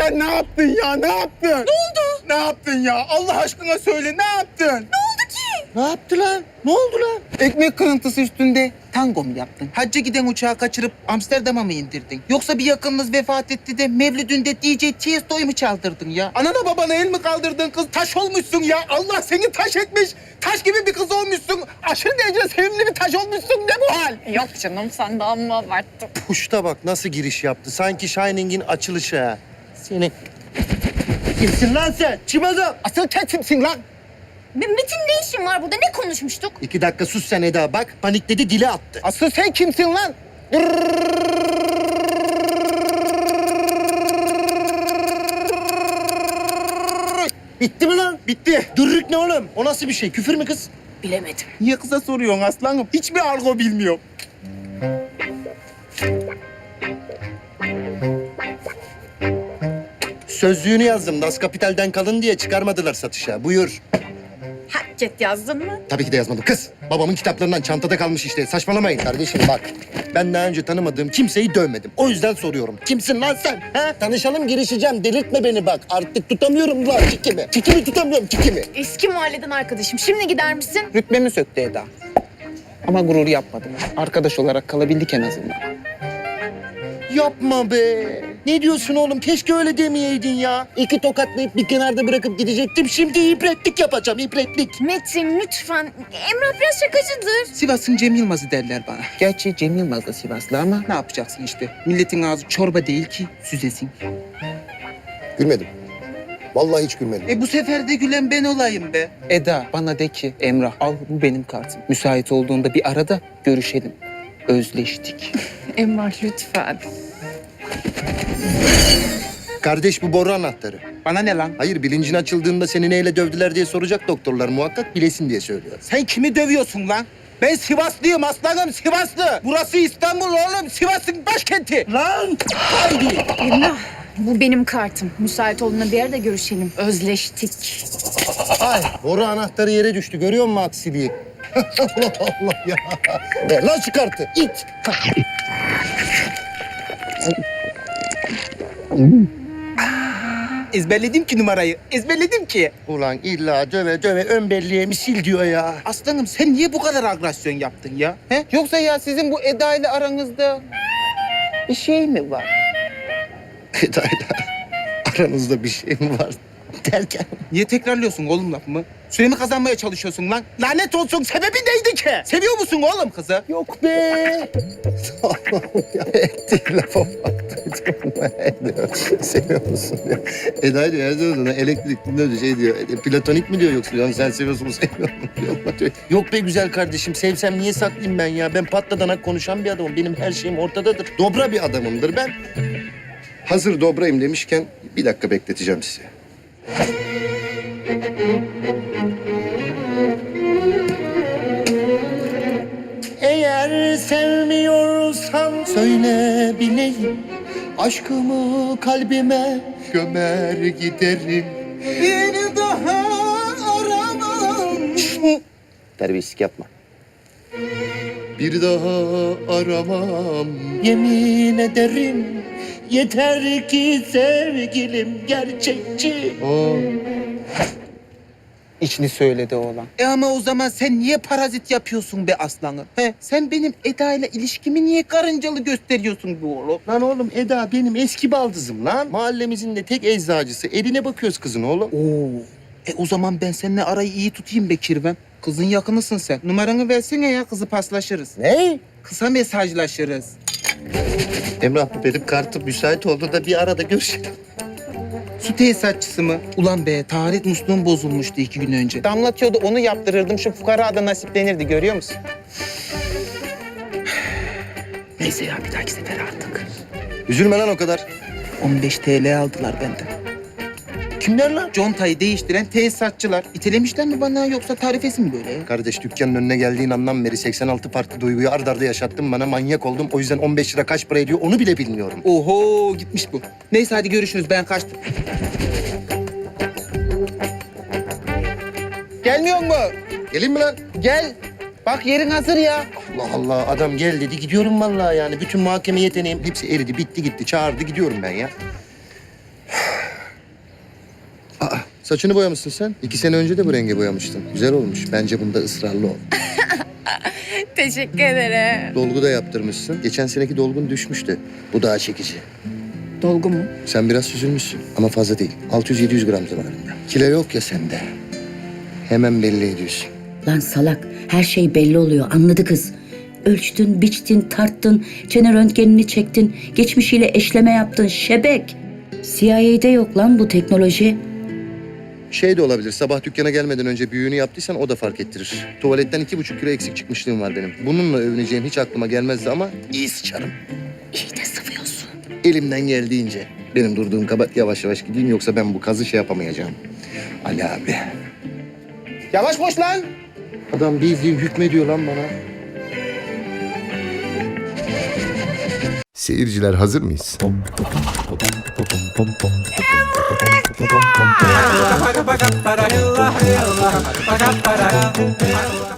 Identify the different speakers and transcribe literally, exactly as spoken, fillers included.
Speaker 1: Sen ne yaptın ya? Ne yaptın?
Speaker 2: Ne oldu?
Speaker 1: Ne yaptın ya? Allah aşkına söyle, ne yaptın?
Speaker 2: Ne oldu ki?
Speaker 1: Ne yaptı lan? Ne oldu lan? Ekmek kırıntısı üstünde tango mu yaptın? Hacca giden uçağı kaçırıp Amsterdam'a mı indirdin? Yoksa bir yakınınız vefat etti de Mevlüdünde D J Tiesto'yu mu çaldırdın ya? Anana babana el mi kaldırdın kız? Taş olmuşsun ya. Allah seni taş etmiş. Taş gibi bir kız olmuşsun. Aşırı derece sevimli bir taş olmuşsun. Ne bu hal?
Speaker 2: Yok canım sen de amma abarttın.
Speaker 3: Puşta bak nasıl giriş yaptı. Sanki Shining'in açılışı ha. Seni... Kimsin lan sen? Çimada.
Speaker 1: Asıl sen kimsin lan?
Speaker 2: Metin ne işin var burada? Ne konuşmuştuk?
Speaker 3: İki dakika sus sen Eda bak. Panikledi dili attı.
Speaker 1: Asıl sen kimsin lan?
Speaker 3: Bitti mi lan? Bitti. Dürrük ne oğlum? O nasıl bir şey? Küfür mü kız?
Speaker 2: Bilemedim.
Speaker 1: Niye kıza soruyorsun aslanım? Hiçbir argo bilmiyorum.
Speaker 3: Sözlüğünü yazdım. Das Kapital'den kalın diye çıkarmadılar satışa. Buyur.
Speaker 2: Hakket yazdın mı?
Speaker 3: Tabii ki de yazmadım. Kız, babamın kitaplarından çantada kalmış işte. Saçmalamayın kardeşim bak. Ben daha önce tanımadığım kimseyi dövmedim. O yüzden soruyorum. Kimsin lan sen? Ha? Tanışalım, girişeceğim. Delirtme beni bak. Artık tutamıyorum lan çikimi. Çikimi tutamıyorum, çikimi.
Speaker 2: Eski mahalleden arkadaşım. Şimdi gider misin?
Speaker 1: Rütbemi söktü Eda. Ama gurur yapmadım. Arkadaş olarak kalabildik en azından.
Speaker 3: Yapma be. Ne diyorsun oğlum? Keşke öyle demeyeydin ya. İki tokatlayıp bir kenarda bırakıp gidecektim. Şimdi ibretlik yapacağım, ibretlik.
Speaker 2: Metin lütfen. Emrah biraz şakacıdır.
Speaker 1: Sivas'ın Cem Yılmaz'ı derler bana. Gerçi Cem Yılmaz da Sivaslı ama ne yapacaksın işte. Milletin ağzı çorba değil ki süzesin.
Speaker 3: Gülmedim. Vallahi hiç gülmedim.
Speaker 1: E bu sefer de gülen ben olayım be. Eda bana de ki Emrah al bu benim kartım. Müsait olduğunda bir arada görüşelim. Özleştik.
Speaker 2: Emrah lütfen.
Speaker 3: Kardeş bu boru anahtarı.
Speaker 1: Bana ne lan?
Speaker 3: Hayır bilincin açıldığında seni neyle dövdüler diye soracak doktorlar muhakkak bilesin diye söylüyor.
Speaker 1: Sen kimi dövüyorsun lan? Ben Sivaslıyım aslanım Sivaslı. Burası İstanbul oğlum. Sivas'ın başkenti.
Speaker 3: Lan! Haydi!
Speaker 2: Emrah bu benim kartım. Müsait olduğunda bir arada görüşelim. Özleştik.
Speaker 3: Ay boru anahtarı yere düştü görüyor musun aksiliği? Allah Allah ya. Ver lan şu kartı it.
Speaker 1: Ezberledim ki numarayı. Ezberledim ki.
Speaker 3: Ulan illa döve döve ön belleğimi sil diyor ya.
Speaker 1: Aslanım sen niye bu kadar agresyon yaptın ya? He? Yoksa ya sizin bu Eda ile aranızda bir şey mi var?
Speaker 3: Eda'yla aranızda bir şey mi var derken?
Speaker 1: Niye tekrarlıyorsun oğlum lafımı? Süremi kazanmaya çalışıyorsun lan. Lanet olsun sebebi neydi ki? Seviyor musun oğlum kızı?
Speaker 3: Yok be. Allah'ım ya ettiği lafa bak. Seviyor musun diyor. Eda diyor her zaman elektrikli diyor şey diyor. e, Platonik mi diyor yoksa yani sen seviyorsun mu sevmiyor musun diyor. Yok be güzel kardeşim sevsem niye saklayayım ben ya? Ben patladanak konuşan bir adamım. Benim her şeyim ortadadır. Dobra bir adamımdır ben. Hazır dobrayım demişken bir dakika bekleteceğim sizi. Eğer sevmiyorsan söyle bileyim. Aşkımı kalbime gömer giderim.
Speaker 1: Bir daha aramam.
Speaker 3: Terbiyesizlik yapma. Bir daha aramam yemin ederim. Yeter ki sevgilim gerçekçi. Aa.
Speaker 1: İçini söyledi oğlan. E ama o zaman sen niye parazit yapıyorsun be aslanım? He? Sen benim Eda ile ilişkimi niye karıncalı gösteriyorsun bu oğlum?
Speaker 3: Lan oğlum Eda benim eski baldızım lan. Mahallemizin de tek eczacısı. Eline bakıyoruz kızın oğlum.
Speaker 1: Oo. E o zaman ben seninle arayı iyi tutayım be Kirven. Kızın yakınısın sen. Numaranı versene ya kızı paslaşırız.
Speaker 3: Ne?
Speaker 1: Kısa mesajlaşırız.
Speaker 3: Emrah bu benim kartım müsait oldu da bir arada görüşelim.
Speaker 1: Su tesisatçısı mı? Ulan be taharet musluğum bozulmuştu iki gün önce. Damlatıyordu onu yaptırırdım şu fukara da nasiplenirdi görüyor musun? Neyse ya bir dahaki sefer artık.
Speaker 3: Üzülme lan o kadar.
Speaker 1: on beş T L aldılar benden.
Speaker 3: Kimler lan?
Speaker 1: Contayı değiştiren tesisatçılar. İtelemişler mi bana yoksa tarifesi mi böyle ya?
Speaker 3: Kardeş dükkanın önüne geldiğin andan beri seksen altı farklı duyguyu ard arda yaşattın bana manyak oldum. O yüzden on beş lira kaç para ediyor onu bile bilmiyorum.
Speaker 1: Oho gitmiş bu. Neyse hadi görüşürüz ben kaçtım. Gelmiyor mu?
Speaker 3: Gelin mi lan?
Speaker 1: Gel. Bak yerin hazır ya.
Speaker 3: Allah Allah adam gel dedi gidiyorum vallahi yani. Bütün muhakeme yeteneğim hepsi eridi bitti gitti çağırdı gidiyorum ben ya. Saçını boyamışsın sen. İki sene önce de bu renge boyamıştın. Güzel olmuş. Bence bunda ısrarlı ol.
Speaker 2: Teşekkür ederim.
Speaker 3: Dolgu da yaptırmışsın. Geçen seneki dolgun düşmüştü. Bu daha çekici.
Speaker 2: Dolgu mu?
Speaker 3: Sen biraz süzülmüşsün ama fazla değil. altı yüz yedi yüz gram civarında. Kilo yok ya sende. Hemen belli ediyorsun.
Speaker 4: Lan salak, her şey belli oluyor, anladı kız. Ölçtün, biçtin, tarttın, çene röntgenini çektin, geçmişiyle eşleme yaptın, şebek. C I A'de yok lan bu teknoloji.
Speaker 3: Şey de olabilir, sabah dükkana gelmeden önce büyüğünü yaptıysan o da fark ettirir. Tuvaletten iki buçuk kilo eksik çıkmışlığım var benim. Bununla övüneceğim hiç aklıma gelmezdi ama iyi sıçarım.
Speaker 4: İyi de sıvıyorsun.
Speaker 3: Elimden geldiğince. Benim durduğum kabahat yavaş yavaş gideyim yoksa ben bu kazı şey yapamayacağım. Ali abi.
Speaker 1: Yavaş koş lan.
Speaker 3: Adam bildiğin hükmediyor lan bana.
Speaker 5: Seyirciler hazır mıyız?